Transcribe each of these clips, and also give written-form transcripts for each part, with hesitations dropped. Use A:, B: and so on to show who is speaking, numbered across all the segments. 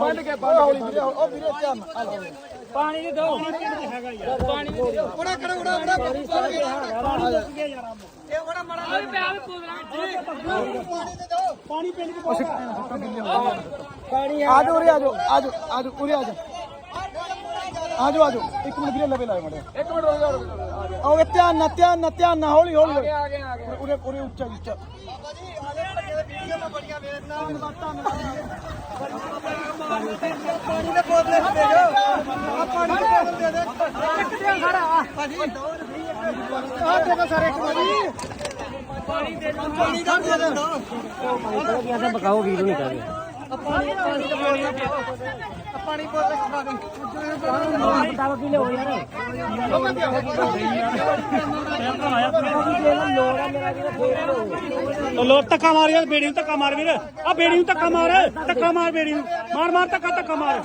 A: ਬੰਨ ਕੇ ਹੌਲੀ ਵੀਰੇ ਉਹ ਵੀਰੇ ਧਿਆਨ
B: ਪਾਣੀ ਦੇ ਦੋ ਹੈਗਾ ਯਾਰ ਪਾਣੀ ਦੇ ਦਿਓ
A: ਬੜਾ ਕਰੋ ਬੜਾ
B: ਪਾਣੀ ਮੁੱਕ ਗਿਆ ਯਾਰ ਇਹ ਬੜਾ ਮੜਾ ਓਏ ਪਿਆ ਵੀ ਪੂਰਾ ਪਾਣੀ ਪਿੰਡ ਕੇ ਪਾਣੀ
A: ਆਜੋ ਉਰੇ ਆਜੋ ਆਜੋ ਆਜੋ ਉਰੇ ਆਜੋ ਆਜੋ ਆਜੋ ਇੱਕ ਮਿੰਟ ਵੀਰੇ ਲਵੇ ਲਾਏ ਮੜੇ ਇੱਕ ਮਿੰਟ ਰੁਕ ਜਾਓ ਆਓ ਧਿਆਨ ਨਾ ਹੌਲੀ ਹੌਲੀ ਆ ਗਏ ਉਰੇ ਉਰੇ ਉੱਚਾ ਉੱਚਾ ਬਾਬਾ ਜੀ ਆਲੇ ਭੱਜੇ ਦੇ ਵੀਡੀਓ ਮੈਂ ਬੜੀਆਂ ਵੇਖਦਾ ਧੰਨਵਾਦ ਪਾਣੀ ਦੇ ਬੋਤਲੇ ਦੇ ਦਿਓ ਪਾਣੀ ਦੇ ਬੋਤਲ ਦੇ ਦੇ ਇੱਕ ਦੇ ਖੜਾ ਭਾਜੀ ਆ ਦੇਖੋ ਸਾਰੇ ਇੱਕ
B: ਪਾਣੀ ਦੇ ਦੋ
A: ਪਾਣੀ ਦਾ ਦੇ ਦੋ
B: ऐसा बकाओ वीडियो नहीं कर रहे
A: ਪਾਣੀ ਦੇ ਬੋਤਲ ਪਾਣੀ ਬੋਤਲ ਖਾ ਦੇ
B: बताओ कि ले हो यार लो धक्का मार यार बेड़ी ਨੂੰ ਧੱਕਾ ਮਾਰ ਵੀਰ ਆ ਬੇੜੀ ਨੂੰ ਧੱਕਾ ਮਾਰ ਬੇੜੀ ਨੂੰ ਮਾਰ ਧੱਕਾ ਮਾਰ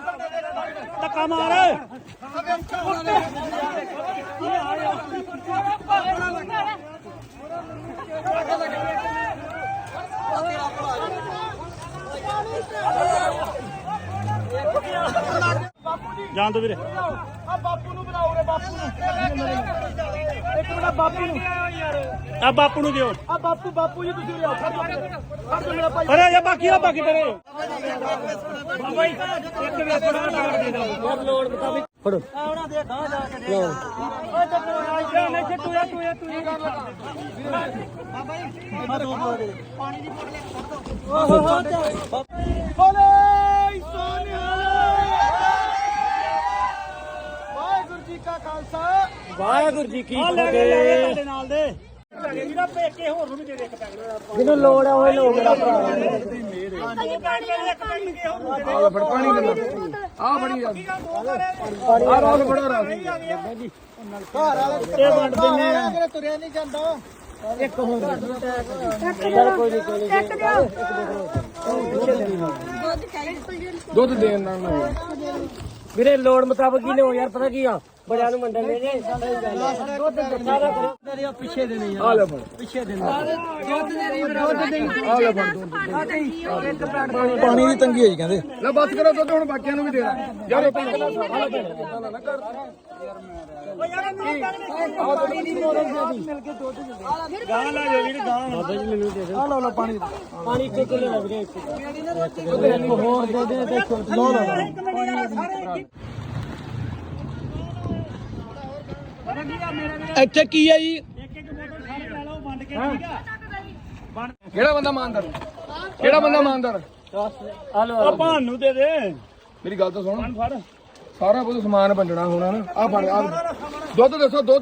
B: ਜਾਣ ਦੋ ਵੀਰੇ
A: ਆ ਬਾਪੂ ਨੂੰ ਬਣਾਓ ਰੇ ਬਾਪੂ ਨੂੰ ਇੱਕ ਮਿੰਟ ਬਾਪੂ ਨੂੰ
B: ਆ ਬਾਪੂ ਨੂੰ ਦਿਓ
A: ਆ ਬਾਪੂ ਜੀ ਤੁਸੀਂ ਲਿਆਓ ਫੜ ਮੇਰਾ ਭਾਈ
B: ਅਰੇ ਇਹ ਬਾਕੀ ਤੇਰੇ ਬਾਬਾ ਜੀ ਇੱਕ ਵੇ ਥੋੜਾ ਟਾੜ ਦੇ ਦੋ ਯਾਰ ਲੋੜ ਮੁਤਾਬਿਕ ਫੜੋ
A: ਆਉਣਾ ਦੇ ਗਾਂ ਜਾ ਕੇ ਦੇ
B: ਓਏ ਚੱਕੋ ਆ ਨਹੀਂ ਤੂੰ
A: ਬਾਬਾ ਜੀ ਇੱਧਰ ਦੋ ਦੇ ਪਾਣੀ ਦੀ ਬੋਤਲ ਕੱਢ ਦੋ ਬੋਲੇ ਸੋਨਿਹਾਲ ਵਾਹਿਗੁਰੂ ਜੀ ਕਾ ਖਾਲਸਾ
B: ਵਾਹਿਗੁਰੂ ਜੀ ਕੀ ਫਤਿਹ ਤੁਹਾਡੇ ਨਾਲ ਦੇ ਜਿਹੜਾ ਪੇਕੇ ਹੋਰ ਨੂੰ ਵੀ ਦੇ ਦੇ ਇੱਕ ਪੈਕਟ ਜਿਹਨੂੰ ਲੋੜ ਆ ਉਹ ਲੋ ਮੇਰਾ ਭਰਾ
A: ਆ ਫੜ ਪਾਣੀ ਦੇ ਆ ਬੜੀ ਆ ਰੋਲ ਬੜਾ ਰਾਸ ਜੀ ਘਰ ਵਾਲੇ
B: ਇਹ ਵੰਡ ਦਿੰਨੇ ਆ
A: ਅਗਰ ਤੁਰਿਆ ਨਹੀਂ ਜਾਂਦਾ
B: ਇੱਕ ਹੋਰ ਚੱਲ ਕੋਈ ਨਹੀਂ
A: ਦੁੱਧ ਦੇਣ ਨਾਲ
B: ਵੀਰੇ ਲੋੜ ਮੁਤਾਬਕ ਹੀ ਲਿਓ ਯਾਰ ਪਤਾ ਕੀ ਆ ਬੜਿਆਂ ਨੂੰ ਮੰਡਣ ਦੇ ਜੇ ਦੁੱਧ ਸਾਰਾ ਕਰੋ ਤੇਰੇ ਪਿੱਛੇ ਦੇ ਨਹੀਂ
A: ਆ ਲੈ ਫੜ
B: ਪਿੱਛੇ ਦੇ
A: ਦੁੱਧ ਦੇ ਆ ਲੈ ਫੜ ਪਾਣੀ ਦੀ ਤੰਗੀ ਹੈ ਜੀ ਕਹਿੰਦੇ ਲੈ ਬਸ ਕਰੋ ਦੁੱਧ ਹੁਣ ਬਾਕੀਆਂ ਨੂੰ ਵੀ ਦੇਣਾ ਯਾਰ ਇਹ ਪਿੰਡ ਦਾ ਸਾਰਾ ਨਾ ਕਰ
B: ਪਾਣੀ ਦੀ ਬੋਤਲ ਮਿਲ ਕੇ ਦੁੱਧ ਦੇ ਗਾਂ ਲੈ ਜੋ ਵੀਰ ਗਾਂ ਬਾਬਾ ਜੀ ਮੈਨੂੰ ਦੇ ਦੇ
A: ਆ ਲਓ ਪਾਣੀ
B: ਪਾਣੀ ਇੱਕ ਕਿਲੋ ਲੱਗ ਰਿਹਾ ਇੱਕ ਹੋਰ ਦੇ ਦੇ ਦੇਖੋ
A: ਲਓ ਇੱਥੇ ਕੀ ਹੈ ਜੀ
B: ਇੱਕ ਬੋਤਲ ਸਾਰੇ ਲੈ ਲਓ ਵੰਡ ਕੇ ਠੀਕ ਆ
A: ਕਿਹੜਾ ਬੰਦਾ ਇਮਾਨਦਾਰ
B: ਆ ਭਾਨ ਨੂੰ ਦੇ ਦੇ
A: ਮੇਰੀ ਗੱਲ ਤਾਂ ਸੁਣ
B: ਫੜ
A: ਸਾਰਾ ਕੁਝ ਸਮਾਨ ਵੰਡਣਾ ਹੋਣਾ ਨਾ ਆ ਫੜ ਆ ਦੁੱਧ ਦੱਸੋ ਦੁੱਧ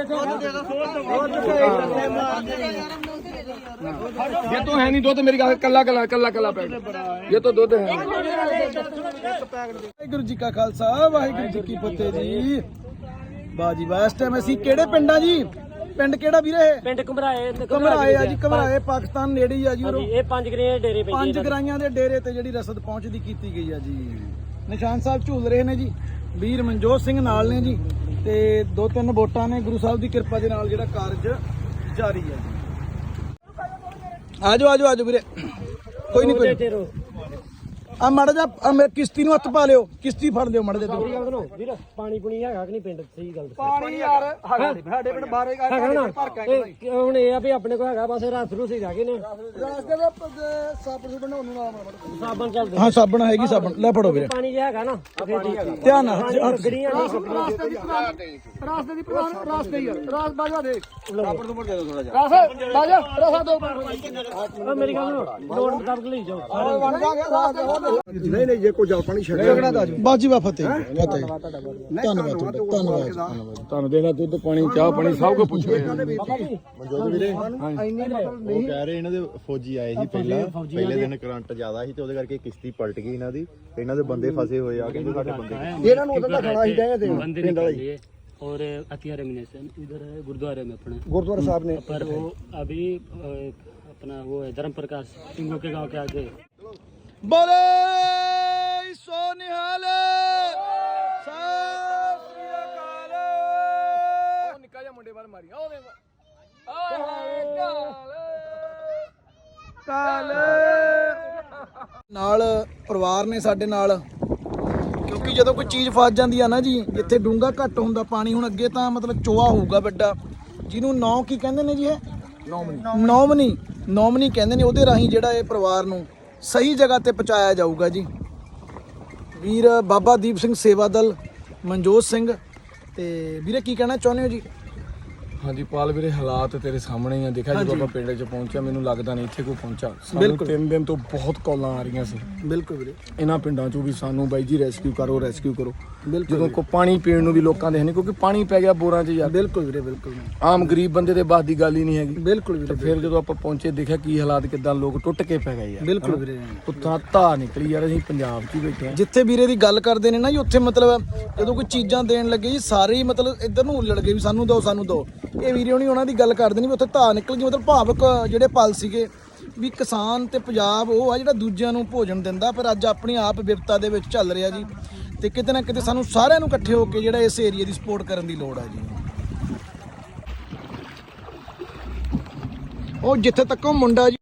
A: ये तो है नहीं दुध मेरी कला पैकेट ये तो दुध है वाहिगुरू जी का खालसा वाहिगुरू जी की फतेह जी बाजी वाह इस टाइम ਅਸੀਂ ਕਿਹੜੇ ਪਿੰਡਾਂ ਜੀ ਪਿੰਡ ਕਿਹੜਾ ਵੀਰੇ
B: ਪਿੰਡ ਘਮਰਾਏ
A: ਘਮਰਾਏ ਆ ਜੀ ਘਮਰਾਏ ਪਾਕਿਸਤਾਨ ਨੇੜੇ ਹੀ ਆ ਜੀ
B: ਇਹ 5 ਗਰਾਈਆਂ ਡੇਰੇ ਪੈਂਦੇ
A: 5 ਗਰਾਈਆਂ ਦੇ ਡੇਰੇ ਤੇ ਜਿਹੜੀ ਰਸਦ ਪਹੁੰਚਦੀ ਕੀਤੀ ਗਈ ਆ ਜੀ ਨਿਸ਼ਾਨ ਸਾਹਿਬ ਝੂਲ ਰਹੇ ਨੇ ਜੀ ਵੀਰ ਮਨਜੋਤ ਸਿੰਘ ਨਾਲ ਨੇ ਜੀ ਤੇ 2-3 ਵੋਟਾਂ ਨੇ ਗੁਰੂ ਸਾਹਿਬ ਦੀ ਕਿਰਪਾ ਦੇ ਨਾਲ ਜਿਹੜਾ ਕਾਰਜ ਜਾਰੀ ਹੈ ਜੀ ਆਜੋ ਵੀਰੇ ਕੋਈ ਨਹੀਂ ਆ ਮੜ ਜਾ ਕਿਸ਼ਤੀ ਨੂੰ ਹੱਥ ਪਾ ਲਿਓ ਕਿਸ਼ਤੀ ਫੜ ਲਿਓ ਮੜ ਜਾ
B: ਵੀਰ ਪਾਣੀ ਪੁਣੀ ਹੈਗਾ ਕਿ ਨਹੀਂ ਪਿੰਡ ਸਹੀ ਗੱਲ
A: ਪਾਣੀ ਯਾਰ ਸਾਡੇ ਪਿੰਡ ਬਾਰੇ ਭਰ ਕੇ
B: ਹੁਣ ਇਹ ਆ ਵੀ ਆਪਣੇ ਕੋਲ ਹੈਗਾ ਬਸ ਰਸ ਰੂਸ ਹੀ ਰਹਿ ਗਏ ਨੇ
A: ਰਾਸਤੇ ਦੇ ਸਾਬਣ ਬਣਾਉਣ ਨੂੰ
B: ਸਾਬਣ ਚੱਲਦੇ
A: ਹਾਂ ਸਾਬਣ ਹੈਗੀ ਸਾਬਣ ਲੈ ਫੜੋ ਵੀਰੇ
B: ਪਾਣੀ ਜਿਹਾ ਹੈਗਾ ਨਾ
A: ਧਿਆਨ ਨਾਲ
B: ਗੜੀਆਂ
A: ਰਾਸਤੇ ਦੀ ਪ੍ਰਧਾਨ ਰਾਸਤੇ ਹੀ ਰਾਸ ਬਾਜਾ ਦੇ ਸਾਬਣ ਤੋਂ ਦੇ ਦੋ ਥੋੜਾ ਜਿਹਾ ਰਾਸ ਬਾਜਾ ਰਸਾ ਦੋ
B: ਮੇਰੀ ਗੱਲ ਲੋੜ ਮੁਤਾਬਕ ਲਈ ਜਾਓ
A: ਨਹੀਂ ਜੇ ਕੋਈ ਜਲ ਪਾਣੀ ਛੱਡਿਆ ਬਾਜੀ ਵਾ ਫਤਿਹ ਧੰਨਵਾਦ ਤੁਹਾਨੂੰ ਦੇਣਾ ਦੁੱਧ ਪਾਣੀ ਚਾਹ ਪਾਣੀ ਸਭ ਕੁਝ ਪੁੱਛੋ
C: ਮਨਜੋਤ ਵੀਰੇ ਉਹ ਕਹਿ ਰਹੇ ਇਹਨਾਂ ਦੇ ਫੌਜੀ ਆਏ ਸੀ ਪਹਿਲੇ ਦਿਨ ਕਰੰਟ ਜ਼ਿਆਦਾ ਸੀ ਤੇ ਉਹਦੇ ਕਰਕੇ ਕਿਸ਼ਤੀ ਪਲਟ ਗਈ ਇਹਨਾਂ ਦੀ ਇਹਨਾਂ ਦੇ ਬੰਦੇ ਫਸੇ ਹੋਏ ਆ ਕਹਿੰਦੇ ਸਾਡੇ ਬੰਦੇ
A: ਇਹਨਾਂ ਨੂੰ ਉਹਦਾ ਖਾਣਾ ਹੀ ਡਿਆ ਤੇ ਪਿੰਡ ਵਾਲੇ
B: और अतिया रेमिनेशन इधर है गुरुद्वारे में अपने
A: गुरुद्वारा साहब ने
B: पर वो अभी अपना वो है धर्म प्रकाश सिंगों के गांव के आगे
A: बोले सोनिहाल सत श्री अकाल निक्का जिहा मुंडे वाल मारी ਕਾਲ ਨਾਲ ਪਰਿਵਾਰ ਨੇ ਸਾਡੇ ਨਾਲ ਕਿਉਂਕਿ ਜਦੋਂ ਕੋਈ ਚੀਜ਼ ਫਸ ਜਾਂਦੀ ਆ ਨਾ ਜੀ, ਜਿੱਥੇ ਡੂੰਘਾ ਘੱਟ ਹੁੰਦਾ ਪਾਣੀ, ਹੁਣ ਅੱਗੇ ਤਾਂ ਮਤਲਬ ਚੋਆ ਹੋਊਗਾ ਵੱਡਾ, ਜਿਹਨੂੰ ਨੌ ਕੀ ਕਹਿੰਦੇ ਨੇ ਜੀ, ਇਹ ਨੌਮਨੀ ਕਹਿੰਦੇ ਨੇ, ਉਹਦੇ ਰਾਹੀਂ ਜਿਹੜਾ ਇਹ ਪਰਿਵਾਰ ਨੂੰ ਸਹੀ ਜਗ੍ਹਾ ਤੇ ਪਹੁੰਚਾਇਆ ਜਾਊਗਾ ਜੀ। ਵੀਰ ਬਾਬਾ ਦੀਪ ਸਿੰਘ ਸੇਵਾ ਦਲ, ਮਨਜੋਤ ਸਿੰਘ। ਤੇ ਵੀਰੇ ਕੀ ਕਹਿਣਾ ਚਾਹੁੰਦੇ ਹੋ ਜੀ?
D: ਹਾਂਜੀ ਪਾਲ ਵੀਰੇ, ਹਾਲਾਤ ਤੇਰੇ ਸਾਹਮਣੇ ਹੀ ਆ। ਦੇਖਿਆ ਜਦੋਂ ਆਪਾਂ ਪਿੰਡ 'ਚ ਪਹੁੰਚਿਆ, ਮੈਨੂੰ ਲੱਗਦਾ ਨਹੀਂ ਇੱਥੇ ਕੋਈ ਪਹੁੰਚਾ। ਸਾਨੂੰ
A: ਬਿਲਕੁਲ।
D: 3 ਦਿਨ ਤੋਂ ਬਹੁਤ ਕਾਲਾਂ ਆ ਰਹੀਆਂ ਸੀ
A: ਬਿਲਕੁਲ ਵੀਰੇ,
D: ਇਹਨਾਂ ਪਿੰਡਾਂ 'ਚੋਂ ਵੀ, ਸਾਨੂੰ ਬਾਈ ਜੀ ਰੈਸਕਿਊ ਕਰੋ।
A: ਬਿਲਕੁਲ
D: ਜਦੋਂ ਕੋ ਪਾਣੀ ਪੀਣ ਨੂੰ ਵੀ ਲੋਕਾਂ ਦੇ ਹੈ ਨਹੀਂ, ਕਿਉਂਕਿ ਪਾਣੀ ਪੈ ਗਿਆ ਬੋਰਾਂ 'ਚ ਯਾਰ।
A: ਬਿਲਕੁਲ ਵੀਰੇ, ਬਿਲਕੁਲ
D: ਆਮ ਗਰੀਬ ਬੰਦੇ ਦੇ ਬਾਤ ਦੀ ਗੱਲ ਹੀ ਨਹੀਂ ਹੈਗੀ।
A: ਬਿਲਕੁਲ ਵੀਰੇ,
D: ਫਿਰ ਜਦੋਂ ਆਪਾਂ ਪਹੁੰਚੇ, ਦੇਖਿਆ ਕੀ ਹਾਲਾਤ, ਕਿੱਦਾਂ ਲੋਕ ਟੁੱਟ ਕੇ ਪੈ ਗਏ ਯਾਰ।
A: ਬਿਲਕੁਲ ਵੀਰੇ।
D: ਉੱਥਾਂ ਧਾਰ ਨਿਕਲੀ ਯਾਰ, ਅਸੀਂ ਪੰਜਾਬ 'ਚ ਹੀ ਬੈਠੇ ਹਾਂ।
A: ਜਿੱਥੇ ਵੀਰੇ ਦੀ ਗੱਲ ਕਰਦੇ ਨੇ ਨਾ ਜੀ, ਉੱਥੇ ਮਤਲਬ ਜਦੋਂ ਕੋਈ ਚੀਜ਼ਾਂ ਦੇਣ ਲੱਗੇ ਜੀ, ਸਾਰੇ ਹੀ ਮਤਲਬ ਇੱਧਰ ਨੂੰ ਉੱਲੜ ਗਏ ਵੀ ਸਾਨੂੰ ਦਿਓ ਸਾਨੂੰ ਦਿਓ। ਇਹ ਵੀਰੇ ਹੋਣੀ ਉਹਨਾਂ ਦੀ ਗੱਲ ਕਰਦੇ ਨੇ ਵੀ ਉੱਥੇ ਧਾਰ ਨਿਕਲ ਗਈ, ਮਤਲਬ ਭਾਵਕ ਜਿਹੜੇ ਪਲ ਸੀਗੇ ਵੀ ਕਿਸਾਨ ਤੇ ਪੰਜਾਬ ਉਹ ਆ ਜਿਹੜਾ ਦੂਜਿਆਂ ਨੂੰ ਭੋਜਨ ਦਿੰਦਾ, ਪਰ ਅੱਜ ਆਪਣੀ ਆਪ ਵਿਪਤਾ ਦੇ ਵਿੱਚ ਚੱਲ ਰਿਹਾ ਜੀ। ਤੇ ਕਿਤੇ ਨਾ ਕਿਤੇ ਸਾਨੂੰ ਸਾਰਿਆਂ ਨੂੰ ਇਕੱਠੇ ਹੋ ਕੇ ਜਿਹੜਾ ਇਸ ਏਰੀਆ ਦੀ ਸਪੋਰਟ ਕਰਨ ਦੀ ਲੋੜ ਆ ਜੀ। ਉਹ ਜਿੱਥੇ ਤੱਕ ਉਹ ਮੁੰਡਾ ਜੀ